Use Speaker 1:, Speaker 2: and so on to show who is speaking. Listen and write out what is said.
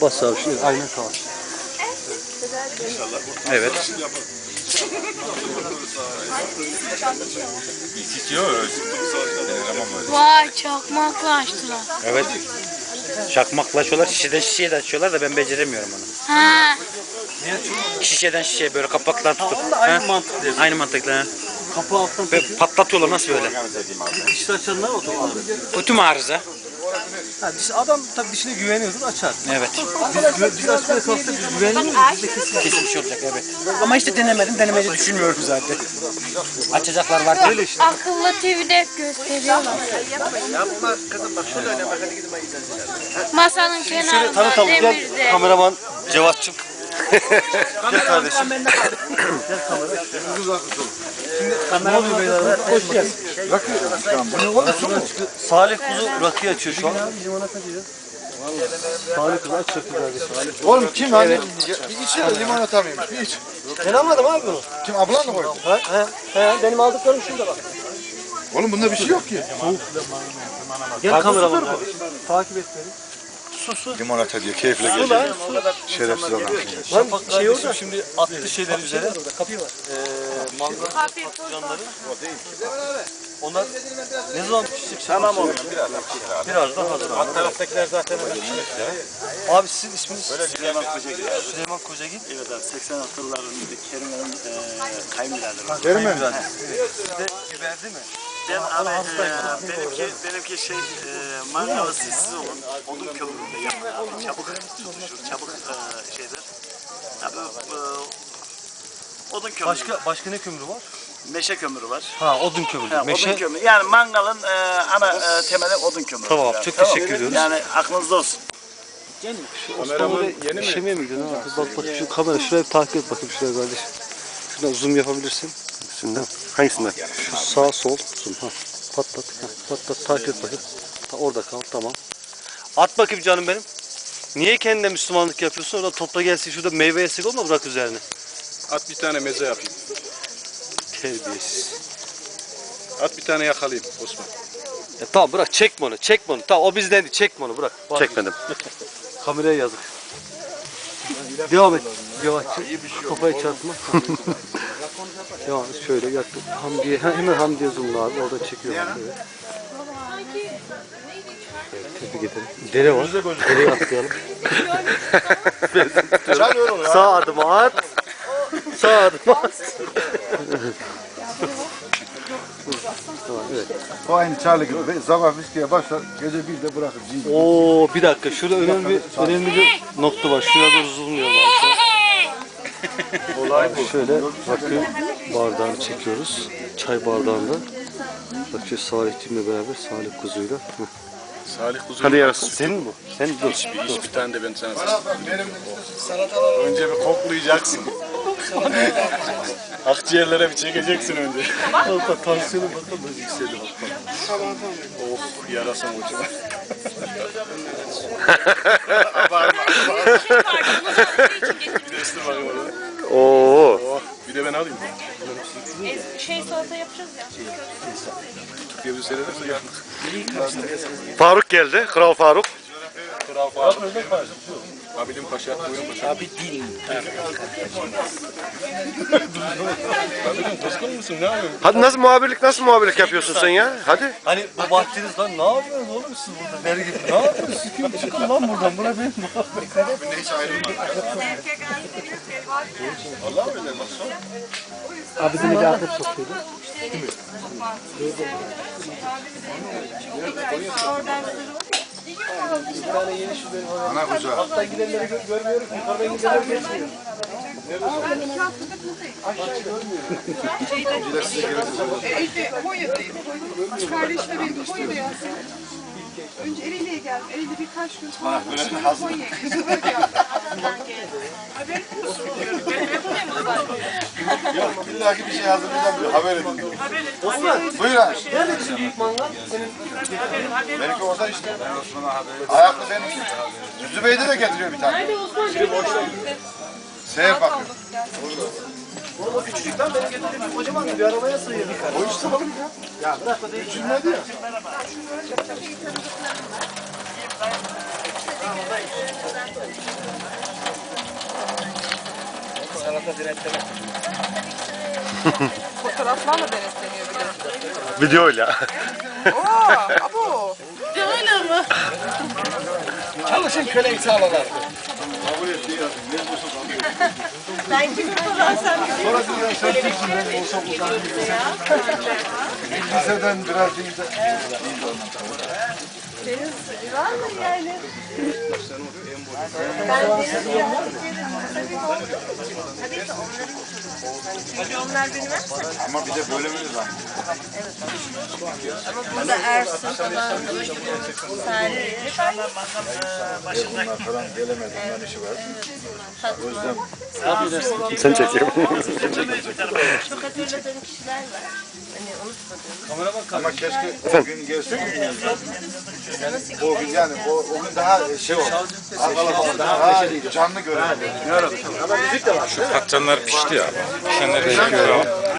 Speaker 1: Basağı şey, aynen tamam.
Speaker 2: Evet.
Speaker 3: Vay çakmaklaştılar.
Speaker 2: Evet. Çakmakla açıyorlar, şişeden şişeye de açıyorlar da ben beceremiyorum onu.
Speaker 3: Ha.
Speaker 2: Şişeden şişeye böyle kapaklar tutup.
Speaker 1: Aynı mantık değil.
Speaker 2: Aynı mantıkla.
Speaker 1: Kapı alttan
Speaker 2: Böyle patlatıyorlar nasıl böyle?
Speaker 1: dişli açanlar o zaman.
Speaker 2: Kötü arıza?
Speaker 1: Ha, adam tabii dişine güveniyordur açar.
Speaker 2: Evet.
Speaker 1: Biz açmaya kalksak biz güvenmiyoruz. Biz de kesin.
Speaker 2: Kesmiş olacak evet. Ama işte denemedim, denemeci düşünmüyorum zaten. Açacaklar var.
Speaker 1: Öyle işte.
Speaker 3: Akıllı TV'de hep gösteriyorlar.
Speaker 4: Yapma kızım bak şöyle oyna bak hadi gidin
Speaker 3: Masanın
Speaker 1: Şöyle
Speaker 3: kenarında
Speaker 1: tanıtalım. Gel
Speaker 3: demirde.
Speaker 1: kameraman Cevat'cığım. Gel kardeşim. Gel kamera. Şimdi ne oluyor beyler? Hoş geldin.
Speaker 4: Rakı bu ne oğlum su mu?
Speaker 1: Salih Kuzu rakı açıyor şu an. Salih Kuzu aç rakı kardeşim.
Speaker 4: Oğlum kim lan? Bir içine limonata mıymış? Bir iç.
Speaker 1: Ben almadım abi bunu.
Speaker 4: Kim ablan mı koydu?
Speaker 1: He, benim aldıklarım şurada bak.
Speaker 4: Oğlum bunda bir şey yok ki.
Speaker 1: Gel kameraman. Takip et beni.
Speaker 4: Limonata diye keyifle
Speaker 1: Su
Speaker 4: geçiyor.
Speaker 1: lan su.
Speaker 4: Şerefsiz adam.
Speaker 1: Lan şey orada şimdi attı şeyler üzere. Mangal patlıcanları. Onlar ne zaman pişecek? Tamam oğlum birazdan hazır.
Speaker 4: Alt taraftakiler zaten öyle
Speaker 1: Abi sizin isminiz?
Speaker 5: Süleyman Kocagil.
Speaker 1: Süleyman Kocagil.
Speaker 5: Evet abi 86 yıllarında Kerim'in kayınbiraderi.
Speaker 4: Değil mi?
Speaker 1: Sizde biber değil mi?
Speaker 5: Ben abi benimki mangalı sessiz olun. Odun kömüründe yapın abi. Çabuk tutuşur. Çabuk şeydir. Abi odun kömürü.
Speaker 1: Başka ne kömürü var?
Speaker 5: Meşe kömürü var.
Speaker 1: Ha odun kömürü.
Speaker 5: Ha,
Speaker 1: Meşe.
Speaker 5: Odun kömürü. Yani mangalın ana temeli odun kömürü.
Speaker 1: Tamam,
Speaker 5: yani.
Speaker 1: çok teşekkür ediyoruz.
Speaker 5: Yani aklınızda olsun.
Speaker 1: Osmanlı'da işemeye mi gidiyorsun? Bak şu kamera şuraya bir takip et bakayım şuraya kardeşim. Şuradan zoom yapabilirsin. Şundan. Hangisinden? Şu sağ sol zoom. Ha. Patlat. Ha. Patlat takip et bakayım. Ha, orada kal tamam. At bakayım canım benim. Niye kendine Müslümanlık yapıyorsun? Orada topla gelsin şurada meyve yesek olma bırak üzerine.
Speaker 6: At bir tane meze yapayım.
Speaker 1: Terbiyesiz.
Speaker 6: At bir tane yakalayayım Osman.
Speaker 1: Tamam bırak çekme onu çekme onu. Tamam o bizden değil çekme onu bırak.
Speaker 2: Çekmedim.
Speaker 1: Kameraya yazık. Devam et. Yavaşça. Kafayı çarpma. Devam et şöyle yaktım. Hamdiye hemen Hamdiye zoomla abi orada çekiyor. Evet. Tebrik ederim. Dere var. Dereyi atlayalım. Sağ adım at. Sağ adım at. Evet.
Speaker 4: O aynı Charlie gibi. Sabah viskiye başlar, gece 1'de bırakır.
Speaker 1: Oo bir dakika. Şurada önemli bir nokta var. Şuraya doğru zoomlayalım abi. Şöyle rakı bardağını çekiyoruz. Çay bardağında. Bak şu Salih'cimle beraber Salih Kuzu'yla.
Speaker 6: Salih Kuzu.
Speaker 1: Hadi yarasın. Senin bu. Sen dur.
Speaker 6: Bir tane de ben sana önce bir koklayacaksın. Akciğerlere bir çekeceksin önce.
Speaker 1: Hatta tansiyonu bakalım yükseldi bak.
Speaker 6: Oh yarasın ucuma. Bir de ısır bakayım orada.
Speaker 1: Oo.
Speaker 6: Oh bir de ben alayım.
Speaker 3: Salata yapacağız ya.
Speaker 6: Türkiye bir seyrederse yaptık.
Speaker 1: Faruk geldi. Kral Faruk.
Speaker 6: Kral Faruk. Abilim Paşa, Buyurun Paşa.
Speaker 2: Abi değil.
Speaker 6: Abilim kızgın mısın? Ne yapıyorsun?
Speaker 7: Hadi nasıl muhabirlik yapıyorsun sen ya? Hadi.
Speaker 1: Hani bu vaktiniz lan ne yapıyorsunuz oğlum siz burada der gibi. Ne yapıyorsunuz? Çıkın lan buradan. Bura benim.
Speaker 6: Abimle hiç ayrılmadık. Vallahi öyle bak son.
Speaker 1: Abi seni Yakup sokuyordu.
Speaker 4: Ana kuzu.
Speaker 1: Alttan gidenleri görmüyorum. Yukarıdan gidenleri geçmiyor.
Speaker 8: Konya'dayım. Kardeşle benim Konya'da yazdım. Önce Ereğli'ye geldim. Ereğli'de birkaç gün sonra Konya'ya geldim.
Speaker 4: Yok illaki bir şey hazırlayacağım. Haber edin.
Speaker 1: Osman.
Speaker 4: Buyur abi.
Speaker 1: Nerede bizim büyük mangal? Senin
Speaker 4: Benimki orada işte. Ayaklı benim. Zübeyde de getiriyor bir tane. Seher bakıyor.
Speaker 1: oğlum o küçücük lan benim getirdiğim kocaman bir arabaya sığıyor.
Speaker 4: O işte oğlum ya.
Speaker 1: Ya bırak o değil.
Speaker 4: Üçünmedi ya.
Speaker 8: Fotoğraflarla denetleniyor bir de.
Speaker 7: Videoyla.
Speaker 8: Oo, abo.
Speaker 2: Çalışın köleyi sağlalar.
Speaker 4: Liseden biraz değil de. Ama bir de bölümümüz var.
Speaker 9: Burada Ersin falan, Salih,
Speaker 4: Bunlar falan gelemedi. Bunların işi var.
Speaker 7: Sen çekiyorum.
Speaker 9: çok hatırladığım kişiler var. Hani unutmadığım.
Speaker 4: Ama keşke o gün gelsin. O gün yani o gün daha şey oldu. Daha canlı görelim.
Speaker 6: Patlıcanlar pişti ya. Pişenleri çekiyorum.